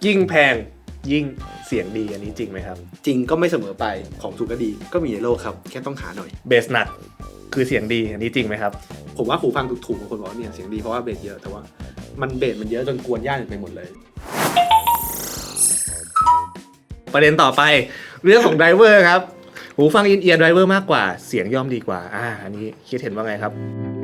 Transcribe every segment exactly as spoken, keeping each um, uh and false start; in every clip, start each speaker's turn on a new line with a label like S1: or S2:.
S1: ยิ่งแพงยิ่งเสียงดีอันนี้จริงไหมครับ
S2: จริงก็ไม่เสมอไปของถูกก็ดีก็มีในโลกครับแค่ต้องหาหน่อย
S1: เบสหนักคือเสียงดีอันนี้จริงไหมครับ
S2: ผมว่าหูฟังถูกๆบางคนบอกว่าเนี่ยเสียงดีเพราะว่าเบสเยอะแต่ว่ามันเบสมันเยอะจนกวนย่านไปหมดเลย
S1: ประเด็นต่อไปเรื่องของไดรเวอร์ครับหูฟังอินเอียร์ไดรเวอร์มากกว่าเสียงย่อมดีกว่าอ่าอันนี้คิดเห็นว่าไงครับ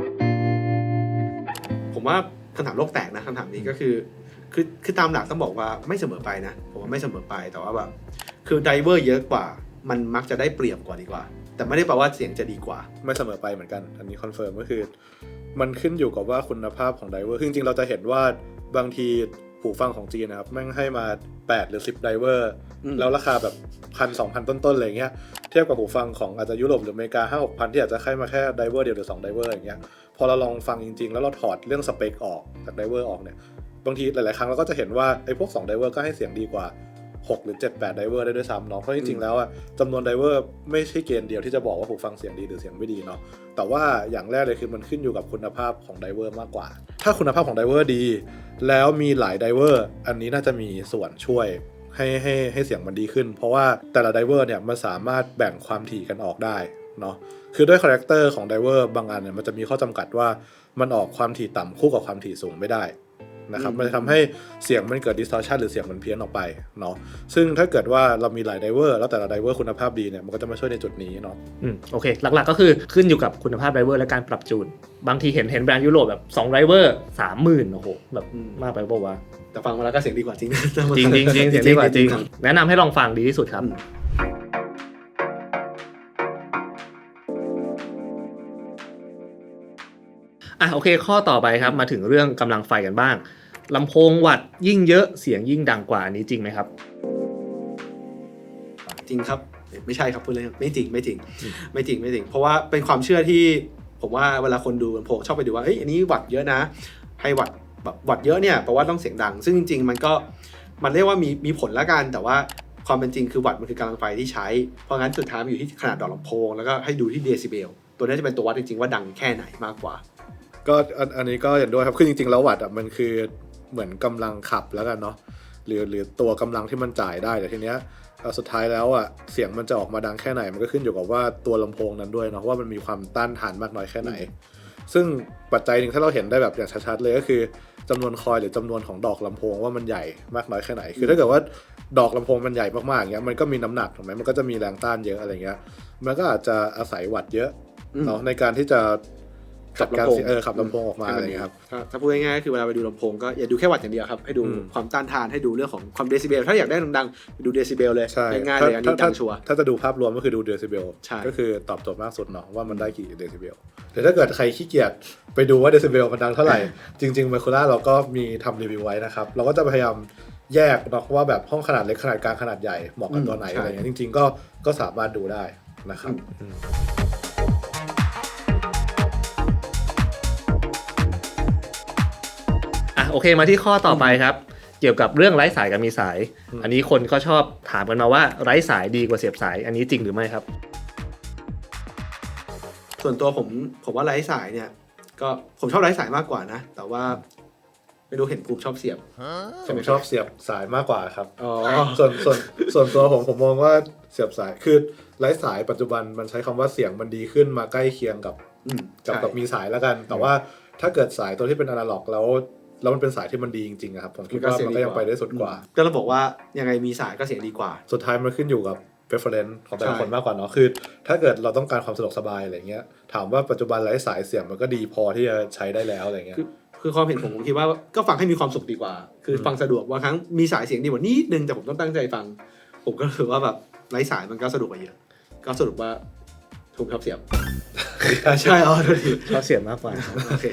S2: ผมว่าคำถามโลกแตกนะคำถามนี้ก็คือคือคือตามหลักต้องบอกว่าไม่เสมอไปนะผมว่าไม่เสมอไปแต่ว่าแบบคือไดรเวอร์เยอะกว่ามันมักจะได้เปรียบกว่าดีกว่าแต่ไม่ได้แปลว่าเสียงจะดีกว่า
S3: ไม่เสมอไปเหมือนกันอันนี้คอนเฟิร์มก็คือมันขึ้นอยู่กับว่าคุณภาพของไดรเวอร์จริงๆเราจะเห็นว่าบางทีหูฟังของจีนนะครับแม่งให้มาแปดหรือสิบไดรเวอร์แล้วราคาแบบ หนึ่งพัน สองพัน ต้นๆอะไรเงี้ยเทียบกับหูฟังของอาจจะยุโรปหรืออเมริกา ห้าหกพัน ที่อาจจะให้มาแค่ไดรเวอร์เดียวหรือสองไดรเวอร์อย่างเงี้ยพอเราลองฟังจริงๆแล้วเราถอดเรื่องสเปคออกจากไดรเวอร์ออกเนี่ยบางทีหลายๆครั้งเราก็จะเห็นว่าไอ้พวกสองไดรเวอร์ก็ให้เสียงดีกว่าหกหรือเจ็ด แปดไดรเวอร์ได้ด้วยซ้ำเนาะเพราะจริงๆแล้วอ่ะจำนวนไดรเวอร์ไม่ใช่เกณฑ์เดียวที่จะบอกว่าหูฟังเสียงดีหรือเสียงไม่ดีเนาะแต่ว่าอย่างแรกเลยคือมันขึ้นอยู่กับคุณภาพของไดรเวอร์มากกว่าถ้าคุณภาพของไดรเวอร์ดีแล้วมีหลายไดรเวอร์อันนี้น่าจะมีส่วนช่วยให้ให้ให้เสียงมันดีขึ้นเพราะว่าแต่ละไดรเวอร์เนี่ยมันสามารถแบ่งความถี่กันออกได้เนาะคือด้วยคาแรคเตอร์ของไดรเวอร์บางอันเนี่ยมันจะมีข้อจำกัดว่ามันออกความถี่ต่ำคู่กับความถี่สูงไม่ได้นะครับมันจะทำให้เสียงมันเกิด distortion หรือเสียงมันเพี้ยนออกไปเนาะซึ่งถ้าเกิดว่าเรามีหลายไดเวอร์แล้วแต่ละไดเวอร์คุณภาพดีเนี่ยมันก็จะมาช่วยในจุดนี้เนาะ
S1: อืมโอเคหลักๆก็คือขึ้นอยู่กับคุณภาพไดรเวอร์และการปรับจูนบางทีเห็นเห็นแบรนด์ยุโรปแบบสองไดรเวอร์ สามหมื่น โอ้โหแบบมากไปป่าววะ
S2: แต่ฟังมาแล้วก็เสียงดีกว่าจริงนะ
S1: จริงจริงจริงเสียงดีกว่าจริงแนะนำให้ลองฟังดีที่สุดครับอ่ะโอเคข้อต่อไปครับมาถึงเรื่องกำลังไฟกันบ้างลำโพงวัตต์ยิ่งเยอะเสียงยิ่งดังกว่าอันนี้จริงไหมครับ
S2: จริงครับไม่ใช่ครับพูดเลยไม่จริงไม่จริงไม่จริงไม่จริงเพราะว่าเป็นความเชื่อที่ผมว่าเวลาคนดูลำโพงชอบไปดูว่าเอ้ยอันนี้วัตต์เยอะนะให้วัตต์แบบวัตต์เยอะเนี่ยแปลว่าต้องเสียงดังซึ่งจริงๆมันก็มันเรียกว่ามีมีผลละกันแต่ว่าความเป็นจริงคือวัตต์มันคือกำลังไฟที่ใช้เพราะงั้นสุดท้ายมันอยู่ที่ขนาดดอกลำโพงแล้วก็ให้ดูที่เดซิเบลตัวนี้จะเป็นตัววัดจริงๆว่าดังแค่ไหนมากกว่า
S3: ก็อันนี้ก็เห็นด้วยครับคือจริงๆแล้ววัตต์อ่ะมันคือเหมือนกำลังขับแล้วกันเนาะหรือหรือตัวกำลังที่มันจ่ายได้แต่ทีเนี้ยสุดท้ายแล้วอ่ะเสียงมันจะออกมาดังแค่ไหนมันก็ขึ้นอยู่กับว่าตัวลำโพงนั้นด้วยเนาะว่ามันมีความต้านทานมากน้อยแค่ไหนซึ่งปัจจัยหนึ่งถ้าเราเห็นได้แบบอย่างชัดๆเลยก็คือจำนวนคอยล์หรือจำนวนของดอกลำโพงว่ามันใหญ่มากน้อยแค่ไหนคือถ้าเกิดว่าดอกลำโพงมันใหญ่มากๆอย่างเงี้ยมันก็มีน้ำหนักถูกไหมมันก็จะมีแรงต้านเยอะอะไรเงี้ยมันก็อาจจะอาศัยวัตต์เยอะเนาะในการที่จะ
S2: ขับลำโพง
S3: เออขับลำโพงออกมาอะไรอย่างเงี้ยครับ
S2: ถ้าพูดง่ายๆก็คือเวลาไปดูลำโพงก็อย่าดูแค่วัตต์อย่างเดียวครับให้ดูความต้านทานให้ดูเรื่องของความเดซิเบลถ้าอยากได้ดังๆไปดูเดซิเบลเลยง่ายๆเลยอันนี้ดังชัวร์
S3: ถ้าจะดูภาพรวมก็คือดูเดซิเบลก็คือตอบโจทย์มากสุดเนาะว่ามันได้กี่เดซิเบลแต่ถ้าเกิดใครขี้เกียจไปดูว่าเดซิเบลมันดังเท่าไหร่จริงๆไมโครล่าเราก็มีทำรีวิวไว้นะครับเราก็จะพยายามแยกเนาะว่าแบบห้องขนาดเล็กขนาดกลางขนาดใหญ่เหมาะกับตัวไหนอะไรเงี้ยจริงๆก็ก็สามารถดูได้นะครับ
S1: โอเคมาที่ข้อต่อไปครับเกี่ยวกับเรื่องไร้สายกับมีสายอันนี้คนก็ชอบถามกันมาว่าไร้สายดีกว่าเสียบสายอันนี้จริงหรือไม่ครับ
S2: ส่วนตัวผมผมว่าไร้สายเนี่ยก็ผมชอบไร้สายมากกว่านะแต่ว่าไม่รู้เห็นภูมิชอบเสียบ
S3: ผมชอบเสียบสายมากกว่าครับ
S2: อ๋อ
S3: ส่วนส่วนส่วนตัวผมผมมองว่าเสียบสายคือไร้สายปัจจุบันมันใช้คำว่าเสียงมันดีขึ้นมาใกล้เคียงกับกับกับมีสายแล้วกันแต่ว่าถ้าเกิดสายตัวที่เป็นอนาล็อกแล้วแล้วมันเป็นสายที่มันดีจริงๆครับผมคิดว่ามันก็ยังไปได้สุดกว่า
S2: ก็เราบอกว่ายังไงมีสายก็เสียงดีกว่า
S3: สุดท้ายมันขึ้นอยู่กับ preference ของแต่ละคนมากกว่าเนาะคือถ้าเกิดเราต้องการความสะดวกสบายอะไรเงี้ยถามว่าปัจจุบันไร้สายเสียงมันก็ดีพอที่จะใช้ได้แล้วอะไรเงี้ย
S2: คือความเห็นผมผมคิดว่าก็ฟังให้มีความสุขดีกว่าคือฟังสะดวกว่าครั้งมีสายเสียงดีกว่านิดนึงแต่ผมต้องตั้งใจฟังผมก็รู้สึกว่าแบบไร้สายมันก็สะดวกกว่าเยอะก็สรุปว่าผมชอบเสียบใช่อ๋อ
S1: ชอบเสียบมากกว่า
S2: โอเค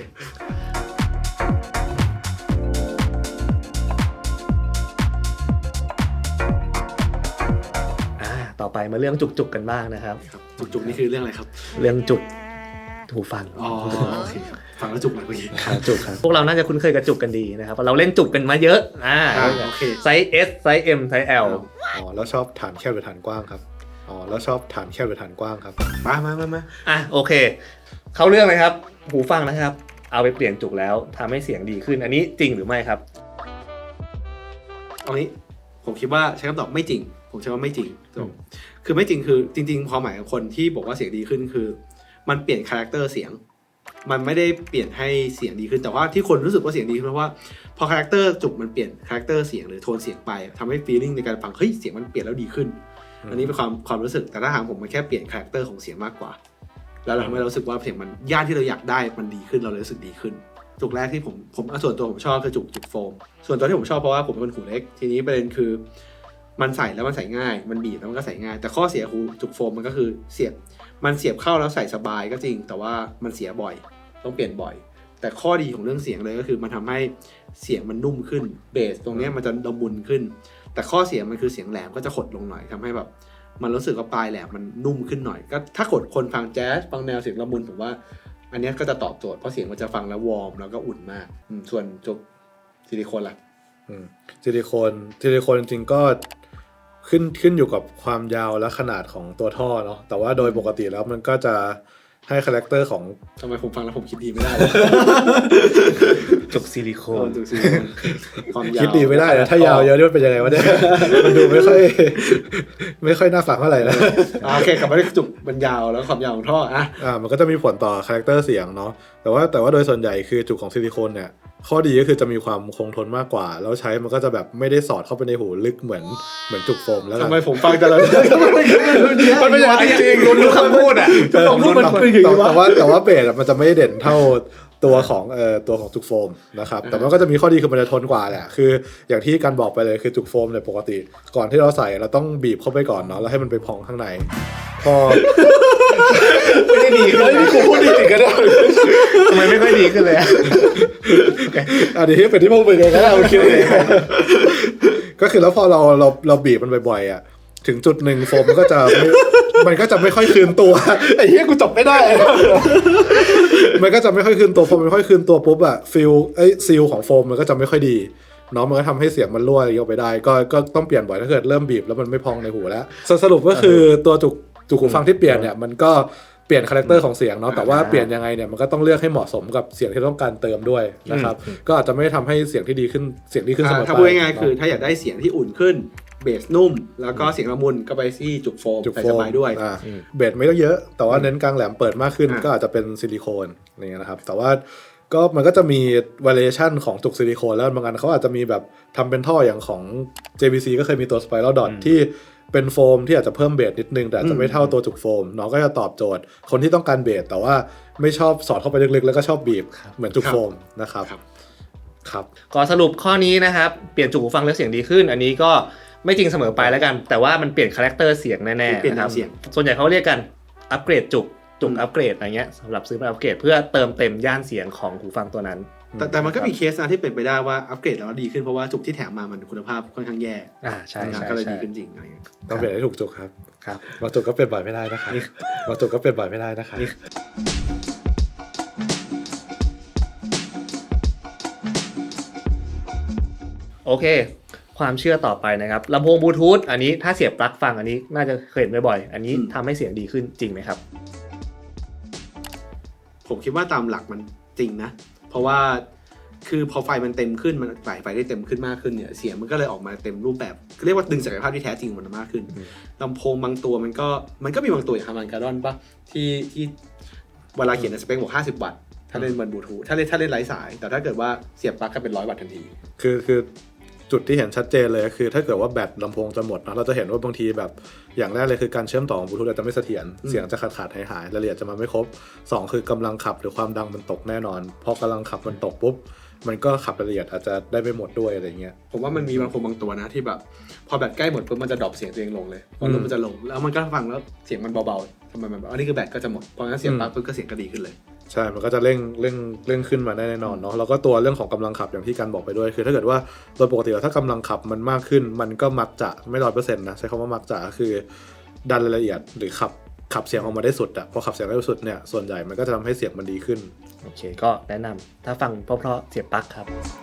S1: ต่อไปมาเรื่องจุกๆกันบ้างนะครับ
S2: จุกๆนี่คือเรื่องอะไรครับ
S1: เรื่องจุกหูฟัง
S2: อ๋อโอเคฟังแล้วจุกเลยเมื่อกี้
S1: จุกครับพวกเราน่าจะคุ้นเคยกับจุกกันดีนะครับเราเล่นจุกกันมาเยอะอ่า
S2: โอเค
S1: ไซส์ S ไซส์ M ไซส์ L
S3: อ๋อแล้วชอบฐานแคบหรือฐานกว้างครับอ๋อแล้วชอบฐานแคบหรือฐานกว้างครับ
S2: มามามามา
S1: อ่ะโอเคเข้าเรื่องเลยครับหูฟังนะครับเอาไปเปลี่ยนจุกแล้วทำให้เสียงดีขึ้นอันนี้จริงหรือไม่ครับ
S2: เอางี้ผมคิดว่าใช้คำตอบไม่จริงผมใช้ว่าไม่จริงคือไม่จริงคือจริงๆความหมายของคนที่บอกว่าเสียงดีขึ้นคือมันเปลี่ยนคาแรคเตอร์เสียงมันไม่ได้เปลี่ยนให้เสียงดีขึ้นแต่ว่าที่คนรู้สึกว่าเสียงดีเพราะว่าพอคาแรคเตอร์จุกมันเปลี่ยนคาแรคเตอร์เสียงหรือโทนเสียงไปทำให้ฟีลลิ่งในการฟังเฮ้ยเสียงมันเปลี่ยนแล้วดีขึ้นอันนี้เป็นความความรู้สึกแต่ถ้าถามผมมันแค่เปลี่ยนคาแรคเตอร์ของเสียงมากกว่าแล้วเราทำให้เรารู้สึกว่าเสียงมันย่านที่เราอยากได้มันดีขึ้นเราเลยรู้สึกดีขึ้นจุกแรกที่ผมผมส่วนตัวผมชอบคือจุกจุกโฟมส่วนตัวที่ผมชอบเพราะว่าผมเป็นคนหูเล็กทีนี้ประเด็นคือมันใส่แล้วมันใส่ง่ายมันบีบแล้วมันก็ใส่ง่ายแต่ข้อเสียของจุกโฟมมันก็คือเสียบมันเสียบเข้าแล้วใส่สบายก็จริงแต่ว่ามันเสียบ่อยต้องเปลี่ยนบ่อยแต่ข้อดีของเรื่องเสียงเลยก็คือมันทำให้เสียงมันนุ่มขึ้นเบสตรงนี้มันจะละมุนขึ้นแต่ข้อเสียมันคือเสียงแหลมก็จะขดลงหน่อยทำให้แบบมันรู้สึกว่าปลายแหลมมันนุ่มขึ้นหน่อยก็ถ้ากดคนฟังแจ๊สฟังแนวเสียงละมุนผมว่าอันนี้ก็จะตอบโจทย์เพราะเสียงมันจะฟังแล้ววอร์มแล้วก็อุ่นมากส่วนจุกซิลิโคนล่ะ
S3: ซิลิโคนซิลิโคนจริงๆก็ขึ้นขึ้นอยู่กับความยาวและขนาดของตัวท่อเนาะแต่ว่าโดยปกติแล้วมันก็จะให้คาแรคเตอร์ของ
S2: ทำไมผมฟังแล้วผมคิดดีไม่ได้
S1: จุกซิลิโคน
S2: จุกซิลิโคน
S3: ความยาวคิดดีไม่ได้นะถ้ายาวเยอะนี่มันเป็นยังไงวะเนี่ยมันดูไม่ค่อยไม่ค่อยน่าฟังเท่าไหร่นะ
S2: โอเคกลับมาที่จุกมันยาวแล้วความยาวของท่ออ่ะ
S3: อ่ามันก็จะมีผลต่อคาแรคเตอร์เสียงเนาะแต่ว่าแต่ว่าโดยส่วนใหญ่คือจุกของซิลิโคนเนี่ยข้อดีก็คือจะมีความคงทนมากกว่าแล้วใช้มันก็จะแบบไม่ได้สอดเข้าไปในหูลึกเหมือนเหมือนจุกโฟมแล้ว
S2: ทำไมผมฟังแต่ละมัน
S3: ไม่อย่างจริงๆ
S1: รู้คำพูดอ่ะ
S2: คำพูดมันเป็น
S3: แต่ว่าแต่ว่าเบสมันจะไม่เด่นเท่าตัวของเอ่อตัวของจุกโฟมนะครับแต่มันก็จะมีข้อดีคือมันจะทนกว่าแหละคืออย่างที่การบอกไปเลยคือจุกโฟมเนี่ยปกติก่อนที่เราใส่เราต้องบีบเข้าไปก่อนเนาะแล้วให้มันไปพองข้างในพอ
S1: ไม่ได้ดี
S3: เลยนี่กูพูดดีจริงกันได้
S1: ทำไมไม่ค่อยดีขึ้นเลย
S3: อ่ะเดี๋ยวเป็นที่พวกมึงไงก็ได้โอเคก็คือแล้วพอเราเราเราบีบมันบ่อยๆอ่ะถึงจุดหนึ่งโฟมมันก็จะมันก็จะไม่ค่อยคืนตัวไอ้เหี้ยกูจบไม่ได้มันก็จะไม่ค่อยคืนตัวพอมันไม่ค่อยคืนตัวปุ๊บอะฟิลไอ้ซีลของโฟมมันก็จะไม่ค่อยดีเนาะมันก็ทำให้เสียงมันรั่วอะไรออกไปได้ก็ก็ต้องเปลี่ยนบ่อยถ้าเกิดเริ่มบีบแล้วมันไม่พองในหูแล้วสรุปก็คือตัวจุกจุกหูฟังที่เปลี่ยนเนี่ยมันก็เปลี่ยนคาแรคเตอร์ของเสียงเนาะแต่ว่าเปลี่ยนยังไงเนี่ยมันก็ต้องเลือกให้เหมาะสมกับเสียงที่ต้องการเติมด้วยนะครับก็อาจจะไม่ทำให้เสียงที่ดีขึ้นเสียงดีขึ้นเสมอไป
S2: ถ้าพูดง่ายๆคือถ้าอยากได้เสียงที่อุ่นขึ้นเบสนุ่มแล้วก็เสียงละมุนก็ไปที่จุกโฟมใส่สบายด้วย
S3: เบสไม่ต้องเยอะแต่ว่าเน้นกลางแหลมเปิดมากขึ้นก็อาจจะเป็นซิลิโคนอะไรเงี้ยนะครับแต่ว่าก็มันก็จะมี variation ของจุกซิลิโคนแล้วบางอันเขาอาจจะมีแบบทำเป็นท่ออย่างของ เจ บี ซี ก็เคยมีตัว Spiral Dot ที่เป็นโฟมที่อาจจะเพิ่มเบสนิดนึงแต่อาจจะไม่เท่าตัวจุกโฟมเนาะก็จะตอบโจทย์คนที่ต้องการเบสแต่ว่าไม่ชอบสอดเข้าไปลึกๆแล้วก็ชอบบีบเหมือนจุกโฟมนะครับครับ
S1: ก็สรุปข้อนี้นะครับเปลี่ยนจุกหูฟังแล้วเสียงดีขึ้นอันนี้ก็ไม่จริงเสมอไปแล้วกันแต่ว่ามันเปลี่ยนคาแรคเตอร์เสียงแน่ๆนะครับส่วนใหญ่เขาเรียกกันอัปเกรดจุกจุกอัปเกรดอะไรเงี้ยสำหรับซื้อมาอัปเกรดเพื่อเติมเต็มย่านเสียงของหูฟังตัวนั้น
S2: แต่แต่มันก็มีเคสนะที่เป็นไปได้ว่าอัปเกรดแล้วดีขึ้นเพราะว่าจุกที่แถมมามันคุณภาพค่อนข้างแย่
S1: อ่าใช่
S2: ก็เลยดีขึ้นจริงอะไรเงี้ย
S3: ต้องเปลี่ยนให้ถูกจุกครับครับบางจุกก็เปลี่ยนบ่อยไม่ได้นะครับบางจุกก็เปลี่ยนบ่อยไม่ได้นะครับ
S1: โอเคความเชื่อต่อไปนะครับลำโพงบลูทูธอันนี้ถ้าเสียบปลั๊กฟังอันนี้น่าจะเคยเห็นบ่อยๆอันนี้ทำให้เสียงดีขึ้นจริงไหมครับ
S2: ผมคิดว่าตามหลักมันจริงนะเพราะว่าคือพอไฟมันเต็มขึ้นมันจ่ายไฟได้เต็มขึ้นมากขึ้นเนี่ยเสียงมันก็เลยออกมาเต็มรูปแบบเรียกว่าดึงศักยภาพที่แท้จริงมันมากขึ้นลำโพงบางตัวมันก็มันก็มีบางตัวอย่างฮาร์มันการ์ดอนป่ะที่ที่เวลาเขียนในสเปคบอกห้าสิบวัตต์ถ้าเล่นบนบลูทูธถ้าเล่นถ้าเล่นไร้สายแต่ถ้าเกิดว่าเสียบปลั๊กก็เป็นร้อยวัตต์ทันที
S3: คือคือจุดที่เห็นชัดเจนเลยคือถ้าเกิดว่าแบตลำโพงจะหมดเนาะเราจะเห็นว่าบางทีแบบอย่างแรกเลยคือการเชื่อมต่อของบลูทูธอาจจะไม่เสถียรเสียงจะขาดขาดหายหายรายละเอียดจะมาไม่ครบสองคือกำลังขับหรือความดังมันตกแน่นอนพอกำลังขับมันตกปุ๊บมันก็ขับรายละเอียดอาจจะได้ไม่หมดด้วยอะไรเงี้ย
S2: ผมว่ามันมีบางคนบางตัวนะที่แบบพอแบตใกล้หมดปุ๊บมันจะดรอปเสียงตัวเองลงเลยพอลมมันจะลงแล้วมันก็ฟังแล้วเสียงมันเบาๆทำไมมันแบบอันนี้คือแบตก็จะหมดพองั้นเสียงปั๊บปุ๊บก็เสียงก็ดีขึ้นเลย
S3: ใช่มันก็จะเร่งเร่งเร่งขึ้นมาได้แน่นอนเนาะแล้วก็ตัวเรื่องของกำลังขับอย่างที่การบอกไปด้วยคือถ้าเกิดว่าโดยปกติแล้วถ้ากำลังขับมันมากขึ้นมันก็มักจะไม่ร้อยเปอร์เซ็นต์นะใช้คำว่ามักจะคือดันรายละเอียดหรือขับขับเสียงออกมาได้สุดอะพอขับเสียงได้สุดเนี่ยส่วนใหญ่มันก็จะทำให้เสียงมันดีขึ้น
S1: โอเคก็แนะนำถ้าฟังเพราะๆเสียบปลั๊กครับ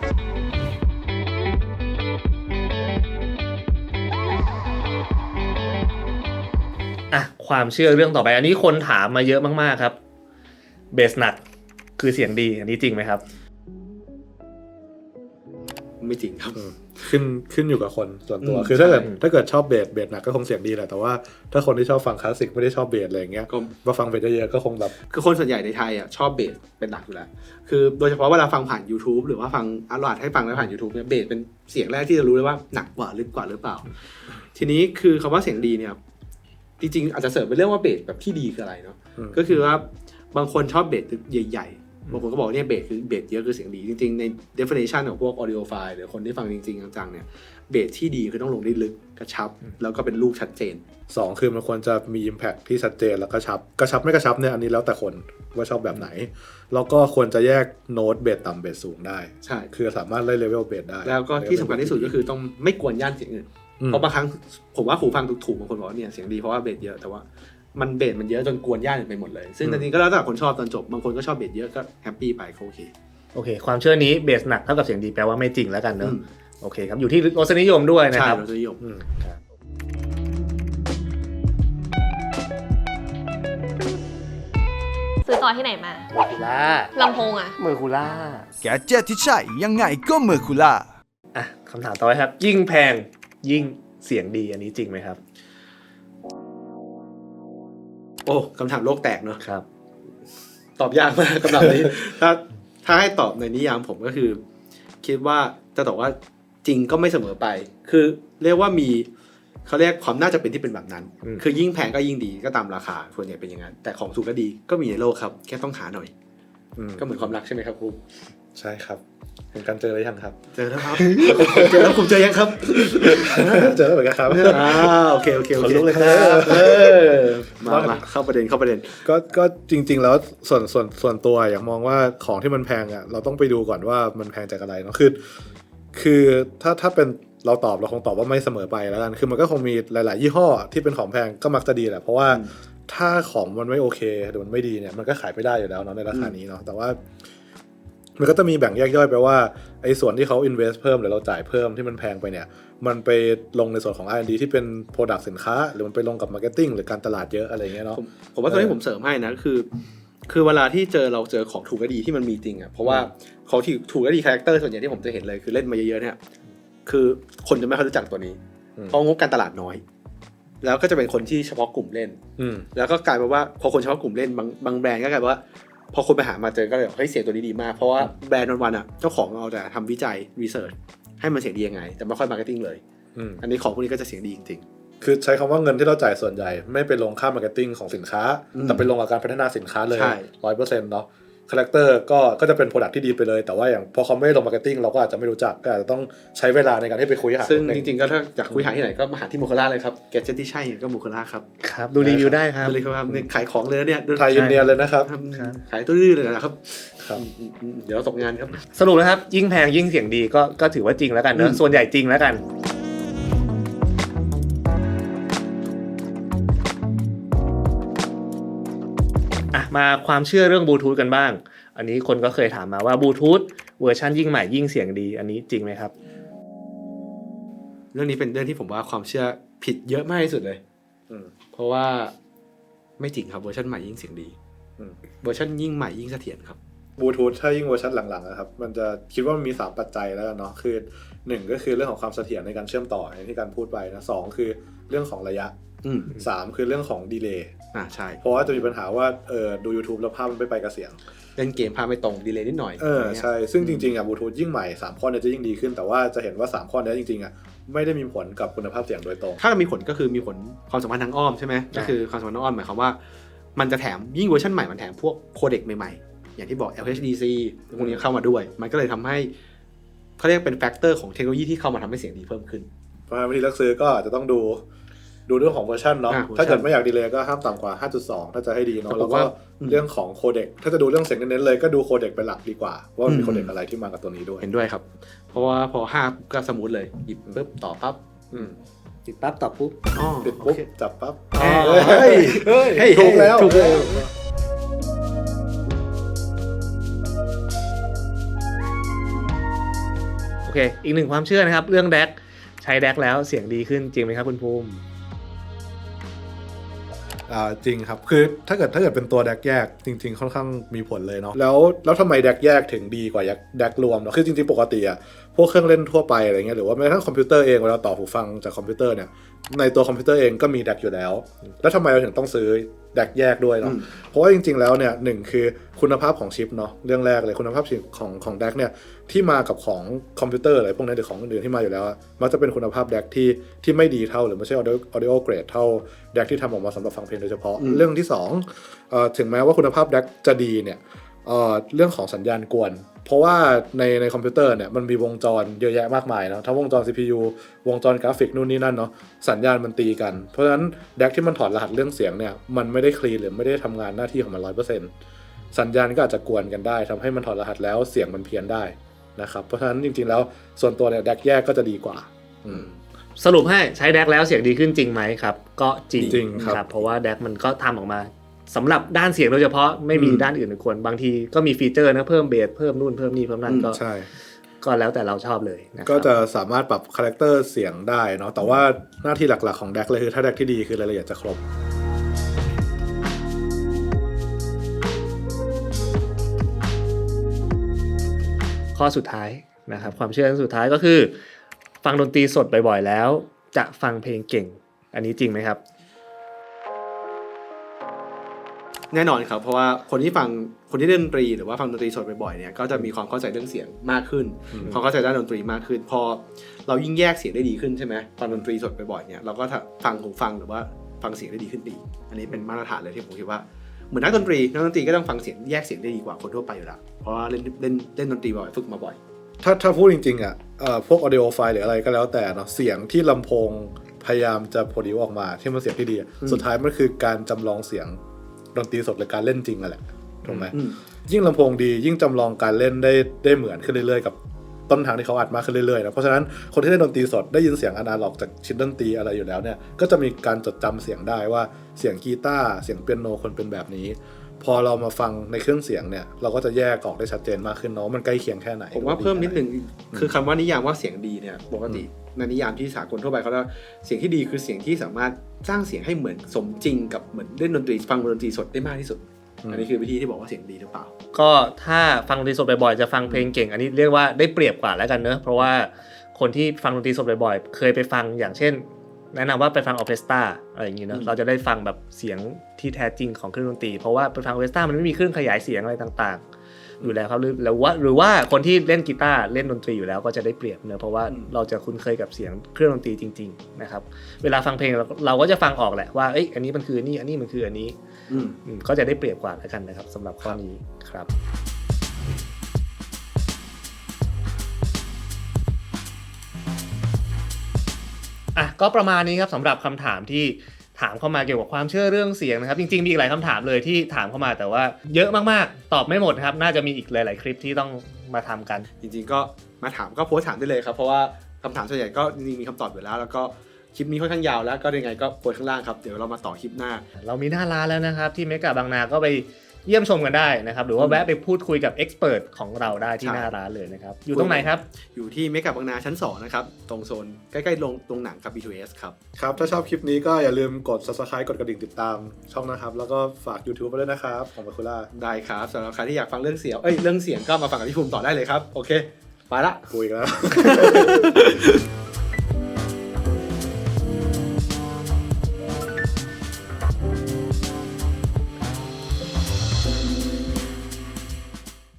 S1: อ่ะความเชื่อเรื่องต่อไปอันนี้คนถามมาเยอะมากๆครับเบสหนักคือเสียงดีอันนี้จริงไหมครับ
S2: ไม่จริงครับ
S3: ขึ้นขึ้นอยู่กับคนส่วนตัวคือถ้าเกิดถ้าเกิดชอบเบสเบสหนักก็คงเสียงดีแหละแต่ว่าถ้าคนที่ชอบฟังคลาสสิกไม่ได้ชอบเบสอะไรอย่างเงี้ยก็มาฟังเบสเยอะๆก็คงแบบ
S2: คือคนส่วนใหญ่ในไทยอ่ะชอบเบสเป็นหลักอยู่แล้วคือโดยเฉพาะเวลาฟังผ่าน YouTube หรือว่าฟังอัลลอดให้ฟังแล้วผ่าน YouTube เนี่ยเบสเป็นเสียงแรกที่จะรู้เลยว่าหนักกว่าลึกกว่าหรือเปล่าทีนี้คือคำว่าเสียงดีเนี่ยจริงๆอาจจะเสริมเป็นเรื่องว่าเบสแบบที่ดีคืออะไรเนาะก็คือว่าบางคนชอบเบสใหญ่ๆบางคนก็บอกเนี่ยเบสคือเบสเยอะคือเสียงดีจริงๆใน definition ของพวก audiophile หรือคนที่ฟังจริงๆจังๆเนี่ยเบสที่ดีคือต้องลงได้ลึกกระชับแล้วก็เป็นลูกชัดเจน
S3: สองคือมันควรจะมี impact ที่ชัดเจนแล้วก็ชับกระชับไม่กระชับเนี่ยอันนี้แล้วแต่คนว่าชอบแบบไหนแล้วก็ควรจะแยกโน้ตเบสต่ำเบสสูงได้
S2: ใช่
S3: คือสามารถไล่เลเวลเบสได้
S2: แล้วก็ที่สำคัญที่สุดก็คือต้องไม่กวนย่านเสียงอื่นเพราะบางครั้งผมว่าหูฟังถูกๆบางคนบอกว่าเนี่ยเสียงดีเพราะว่าเบสเยอะแต่ว่ามันเบสมันเยอะจนกวนย่านอื่นไปหมดเลยซึ่งจริงๆก็แล้วแต่คนชอบตอนจบบางคนก็ชอบเบสเยอะก็แฮปปี้ไปโอเค
S1: โอเคความเชื่อนี้เบสหนักเท่ากับเสียงดีแปลว่าไม่จริงแล้วกันเนอะโอเคครับอยู่ที่รสนิยมด้วยนะครับ
S2: ใช่รสนิยม
S4: ซื้อต่อที่ไหนมา
S1: เมอร์คูล่า
S4: ลำโพงอะ
S1: เมอร์คูล่า
S5: แกเจ็ตที่ใช่ยังไงก็เมอร์คูล่า
S1: อ่ะคำถามต่อไปครับยิ่งแพงยิ่งเสียงดีอันนี้จริงไหมครับ
S2: โอ้คำถามโลกแตกเนอะ
S1: ครับ
S2: ตอบยากมากคำถามนี้ถ้าถ้าให้ตอบในนิยามผมก็คือคิดว่าจะตอบว่าจริงก็ไม่เสมอไปคือเรียกว่ามีเขาเรียกความน่าจะเป็นที่เป็นแบบนั้นคือยิ่งแพงก็ยิ่งดีก็ตามราคาส่วนใหญ่เป็นอย่างนั้นแต่ของถูกก็ดีก็มีในโลกครับแค่ต้องหาหน่อยก็เหมือนความรักใช่ไหมครับครู
S3: ใช่ครับเป็นการเจอหรือยังครับ
S2: เจอแล้วครับเจอแล้วผมเจอยังครับ
S3: เจอแล้วเหมือนกันครับ
S2: อ่าโอเคโอเคโอเค
S3: เลยครับเอ
S2: อมามาเข้าประเด็นเข้าประเด็น
S3: ก็ก็จริงๆแล้วส่วนส่วนส่วนตัวอยากมองว่าของที่มันแพงอ่ะเราต้องไปดูก่อนว่ามันแพงจากอะไรเนาะคือคือถ้าถ้าเป็นเราตอบเราคงตอบว่าไม่เสมอไปแล้วกันคือมันก็คงมีหลายๆยี่ห้อที่เป็นของแพงก็มักจะดีแหละเพราะว่าถ้าของมันไม่โอเคหรือมันไม่ดีเนี่ยมันก็ขายไม่ได้อยู่แล้วเนาะในราคานี้เนาะแต่ว่ามันก็จะมีแบ่งแยกย่อยไปว่าไอ้ส่วนที่เขา invest เพิ่มหรือเราจ่ายเพิ่มที่มันแพงไปเนี่ยมันไปลงในส่วนของ อาร์ แอนด์ ดี ที่เป็น product สินค้าหรือมันไปลงกับ marketing หรือการตลาดเยอะอะไรเงี้ยเนาะ
S2: ผมว่าตอนนี้ผมเสริมให้นะคือคือเวลาที่เจอเราเจอของถูกก็ดีที่มันมีจริงอ่ะเพราะว่าของที่ถูกก็ดีคาแรคเตอร์ส่วนใหญ่ที่ผมจะเห็นเลยคือเล่นมาเยอะๆเนี่ยคือคนจะไม่ค่อยรู้จักตัวนี้เพราะงบการตลาดน้อยแล้วก็จะเป็นคนที่เฉพาะกลุ่มเล่นแล้วก็กลายเป็นว่าพอคนเฉพาะกลุ่มเล่นบางบางแบรนด์ก็กลายเป็นว่าพอคนไปหามาเจอก็เลยเฮ้ยเสียงตัวนี้ดีมากเพราะว่าแบรนด์วันๆอ่ะเจ้าของเอาแต่ทำวิจัยรีเสิร์ชให้มันเสียงดียังไงแต่ไม่ค่อยมาร์เก็ตติ้งเลยอันนี้ของพวกนี้ก็จะเสียงดีจริง
S3: ๆคือใช้คำว่าเงินที่เราจ่ายส่วนใหญ่ไม่ไปลงค่ามาร์เก็ตติ้งของสินค้าแต่ไปลงกับการพัฒนาสินค้าเลย ร้อยเปอร์เซ็นต์ เนาะคาแรคเตอร์ก็ก็จะเป็นโปรดักต์ที่ดีไปเลยแต่ว่าอย่างพอเขาไม่ลงมาร์เก็ตติ้งเราก็อาจจะไม่รู้จักก็อาจจะต้องใช้เวลาในการที่ไปคุยหา
S2: ซึ่งจริงๆก็ถ้าอยากคุยหาที่ไหนก็มาหาที่โมคาร่าเลยครับแกเจ็ตที่ใช่ก็โมคาร่าครับ
S1: ครับดูรีวิวได้ครับ
S2: ดูเลยครับขายของเลยเนี่ย
S3: ไทยอินเดียเลยนะครับ
S2: ขายตู้ดื้อเลยนะครับครับเดี๋ยวตกงานครับ
S1: สรุปนะครับยิ่งแพงยิ่งเสียงดีก็ก็ถือว่าจริงแล้วกันเนอะส่วนใหญ่จริงแล้วกันมาความเชื่อเรื่องบลูทูธกันบ้างอันนี้คนก็เคยถามมาว่าบลูทูธเวอร์ชันยิ่งใหม่ยิ่งเสียงดีอันนี้จริงไหมครับ
S2: เรื่องนี้เป็นเรื่องที่ผมว่าความเชื่อผิดเยอะมากที่สุดเลยเพราะว่าไม่จริงครับเวอร์ชันใหม่ยิ่งเสียงดีเวอร์ชันยิ่งใหม่ยิ่งเสถียรครับ
S3: บลูทูธถ้ายิ่งเวอร์ชันหลังๆนะครับมันจะคิดว่ามันมีสามปัจจัยแล้วกันเนาะคือหนึ่งก็คือเรื่องของความเสถียรในการเชื่อมต่ออย่างที่การพูดไปนะสองคือเรื่องของระยะสามคือเรื่องของดีเลย์
S2: อ่าใช่
S3: เพราะว่าจะมีปัญหาว่าเออดู YouTube แล้วภาพมันไม่ไปกับเสียง
S2: เล่นเกมภาพไม่ตรงดีเลย์นิดหน่อย
S3: เออใช่ซึ่งจริงๆอ่ะบลูทูธยิ่งใหม่สามข้อเนี่ยจะยิ่งดีขึ้นแต่ว่าจะเห็นว่าสามข้อนี้จริงๆอ่ะไม่ได้มีผลกับคุณภาพเสียงโดยตรง
S2: ถ้ามีผลก็คือมีผลความสัมพันธ์ทางอ้อมใช่ไหมก็คือความสัมพันธ์ทางอ้อมหมายความว่ามันจะแถมยิ่งเวอร์ชันใหม่มันแถมพวกโคเด็กใหม่ๆอย่างที่บอก แอล เอช ดี ซี พวกนี้เข้ามาด้วยมันก็เลยทำให้เขาเรียกเป็นแฟกเตอร์ของเทคโนโลยีที่เข้ามาทำให้เสียงดีเพิ่มขึ้น
S3: เพราะฉะนั้นวิธีเลือกซื้อก็จะต้องดูดูเรื่องของเวอร์ชันเนาะถ้าเกิดไม่อยากดีเลย์ก็ห้ามต่ำกว่า ห้าจุดสอง ถ้าจะให้ดีเนาะแล้วก็เรื่องของโคเด็กถ้าจะดูเรื่องเสียงเน้นๆเลยก็ดูโคเด็กเป็นหลักดีกว่าว่ามีโคเด็กอะไรที่มากับตัวนี้ด้วย
S2: เห็นด้วยครับเพราะว่าพอห้าก็สมูทเลยหยิบปุ๊บต่อปั๊บ
S1: ติดปั๊บต่อปุ๊บ
S3: ติดปุ๊บจับปั๊บ
S2: เฮ้ยเฮ้ย
S3: ถูกแล้วถูกแล้ว
S1: โอเคอีกหนึ่งความเชื่อนะครับเรื่องแดกใช้แดกแล้วเสียงดีขึ้นจริงไหมครับคุณภูมิ
S3: อ่าจริงครับคือถ้าเกิดถ้าเกิดเป็นตัวแดกแยกจริงๆค่อนข้างมีผลเลยเนาะแล้วแล้วทำไมแดกแยกถึงดีกว่าแดกรวมเนาะคือจริงๆปกติอ่ะพวกเครื่องเล่นทั่วไปอะไรเงี้ยหรือว่าแม้กระทั่งคอมพิวเตอร์เองเวลาต่อหูฟังจากคอมพิวเตอร์เนี่ยในตัวคอมพิวเตอร์เองก็มี แดก อยู่แล้วแล้วทำไมเราถึงต้องซื้อ แดก แยกด้วยเนาะเพราะว่าจริงๆแล้วเนี่ยหนึ่งคือคุณภาพของชิปเนาะเรื่องแรกเลยคุณภาพของของ แดก เนี่ยที่มากับของคอมพิวเตอร์อะไรพวกนี้หรือของอื่นที่มาอยู่แล้วมันจะเป็นคุณภาพ แดก ที่ที่ไม่ดีเท่าหรือไม่ใช่ audio audio grade เท่า แดก ที่ทำออกมาสำหรับฟังเพลงโดยเฉพาะเรื่องที่สองเอ่อถึงแม้ว่าคุณภาพ แดก จะดีเนี่ยเอ่อเรื่องของสัญญาณกวนเพราะว่าในในคอมพิวเตอร์เนี่ยมันมีวงจรเยอะแยะมากมายนะทั้งวงจร ซี พี ยู วงจรกราฟิกนู่นนี่นั่นเนาะสัญญาณมันตีกันเพราะฉะนั้น แดก ที่มันถอดรหัสเรื่องเสียงเนี่ยมันไม่ได้คลีนหรือไม่ได้ทำงานหน้าที่ของมัน ร้อยเปอร์เซ็นต์ สัญญาณก็อาจจะกวนกันได้ทำให้มันถอดรหัสแล้วเสียงมันเพี้ยนได้นะครับเพราะฉะนั้นจริงๆแล้วส่วนตัวเนี่ย แดก แยกก็จะดีกว่า
S1: สรุปให้ใช้ แดก แล้วเสียงดีขึ้นจริงไหมครับก็จริง
S3: จริงครับ
S1: เพราะว่า แดก มันก็ทำออกมาสำหรับด้านเสียงโดยเฉพาะไม่มีด้านอื่นควรบางทีก็มีฟีเจอร์นะเพิ่มเบสเพิ่มนู่นเพิ่มนี่เพิ่มนั่นก็ก็แล้วแต่เราชอบเลยนะครับ
S3: ก็จะสามารถปรับคาแรคเตอร์เสียงได้เนาะแต่ว่าหน้าที่หลักๆของ แดก เลยคือถ้า แดก ที่ดีคือรายละเอียดจะครบ
S1: ข้อสุดท้ายนะครับความเชื่อสุดท้ายก็คือฟังดนตรีสดบ่อยๆแล้วจะฟังเพลงเก่งอันนี้จริงไหมครับ
S2: แน่นอนครับเพราะว่าคนที่ฟังคนที่เล่นดนตรีหรือว่าฟังดนตรีสดบ่อยๆเนี่ยก็จะมีความเข้าใจเรื่องเสียงมากขึ้นความเข้าใจด้านดนตรีมากขึ้นพอเรายิ่งแยกเสียงได้ดีขึ้นใช่ไหมฟังดนตรีสดบ่อยๆเนี่ยเราก็ฟังหูฟังหรือว่าฟังเสียงได้ดีขึ้นดีอันนี้เป็นมาตรฐานเลยที่ผมคิดว่าเหมือนนักดนตรีนักดนตรีก็ต้องฟังเสียงแยกเสียงได้ดีกว่าคนทั่วไปอยู่แล้วเพราะว่าเล่นเล่นเล่นดนตรีบ่อยฝึกมาบ่อย
S3: ถ้าถ้าพูดจริงๆอ่ะพวก audio file หรืออะไรก็แล้วแต่เนาะเสียงที่ลำโพงพยายามจะ produce ออกมาที่มันเสียงที่ดีสุดท้ายมันคือการจำลองเสียงดนตรีสดหรือการเล่นจริงนั่นแหละถูกไหมยิ่งลำโพงดียิ่งจำลองการเล่นได้ได้เหมือนขึ้นเรื่อยๆกับต้นทางที่เขาอัดมาขึ้นเรื่อยๆนะเพราะฉะนั้นคนที่เล่นดนตรีสดได้ยินเสียงอนาล็อกจากชิ้นดนตรีอะไรอยู่แล้วเนี่ยก็จะมีการจดจำเสียงได้ว่าเสียงกีตาร์เสียงเปียโนคนเป็นแบบนี้พอเรามาฟังในเครื่องเสียงเนี่ยเราก็จะแยกออกได้ชัดเจนมากขึ้นเนาะมันใกล้เคียงแค่ไหน
S2: ผมว่าเพิ่มนิดนึงคือคำว่านิยามว่าเสียงดีเนี่ยปกติในนิยามที่สากลทั่วไปเขาเรียกเสียงที่ดีคือเสียงที่สามารถสร้างเสียงให้เหมือนสมจริงกับเหมือนเล่นดนตรีฟังดนตรีสดได้มากที่สุดอันนี้คือวิธีที่บอกว่าเสียงดีหรือเปล่า
S1: ก็ถ้าฟังดนตรีสดบ่อยๆจะฟังเพลงเก่งอันนี้เรียกว่าได้เปรียบกว่าแล้วกันเนอะเพราะว่าคนที่ฟังดนตรีสดบ่อยๆเคยไปฟังอย่างเช่นแนะนำว่าไปฟังออร์เคสตราอะไรอย่างงี้เนอะเราจะได้ฟังแบบเสียงที่แท้จริงของเครื่องดนตรีเพราะว่าไปฟังออร์เคสตรามันไม่มีเครื่องขยายเสียงอะไรต่างๆอยู่แล้วครับหรือหรือว่าหรือว่าคนที่เล่นกีตาร์เล่นดนตรีอยู่แล้วก็จะได้เปรียบเนอะเพราะว่าเราจะคุ้นเคยกับเสียงเครื่องดนตรีจริงๆนะครับเวลาฟังเพลงเราเราก็จะฟังออกแหละว่าเอ้ยอันนี้มันคือนี่อันนี้มันคืออันนี้ก็จะได้เปรียบกว่าแล้วกันนะครับสำหรับข้อนี้ครับอ่ะก็ประมาณนี้ครับสำหรับคำถามที่ถามเข้ามาเกี่ยวกับความเชื่อเรื่องเสียงนะครับจริงๆมีอีกหลายคำถามเลยที่ถามเข้ามาแต่ว่าเยอะมากๆตอบไม่หมดครับน่าจะมีอีกหลายๆคลิปที่ต้องมาทำกัน
S2: จริงๆก็มาถามก็โพสต์ถามได้เลยครับเพราะว่าคำถามส่วนใหญ่ก็จริงๆมีคำตอบอยู่แล้วแล้วก็คลิปนี้ค่อนข้างยาวแล้วก็ยังไงก็โพสต์ข้างล่างครับเดี๋ยวเรามาต่อคลิปหน้า
S1: เรามีหน้าร้านแล้วนะครับที่เมกะบางนาก็ไปเยี่ยมชมกันได้นะครับหรือว่าแวะไปพูดคุยกับเอ็กซ์เพิร์ทของเราได้ที่หน้าร้านเลยนะครับอยู่ตรงไหนครับ
S2: อยู่ที่เมกะบางนาชั้นสองนะครับตรงโซนใกล้ๆโรงโรงหนังครับ บี ทู เอส ครับ
S3: ครับถ้าชอบคลิปนี้ก็อย่าลืมกด Subscribe กดกระดิ่งติดตามช่องนะครับแล้วก็ฝาก YouTube ไว้ด้วยนะครับของมาคุล่า
S2: ได้ครับสำหรับใครที่อยากฟังเรื่องเสียงเอ้ยเรื่องเสียงก็มาฟังกับพี่ภูมิต่อได้เลยครับโอเคไปละ
S3: คุยกันแล้ว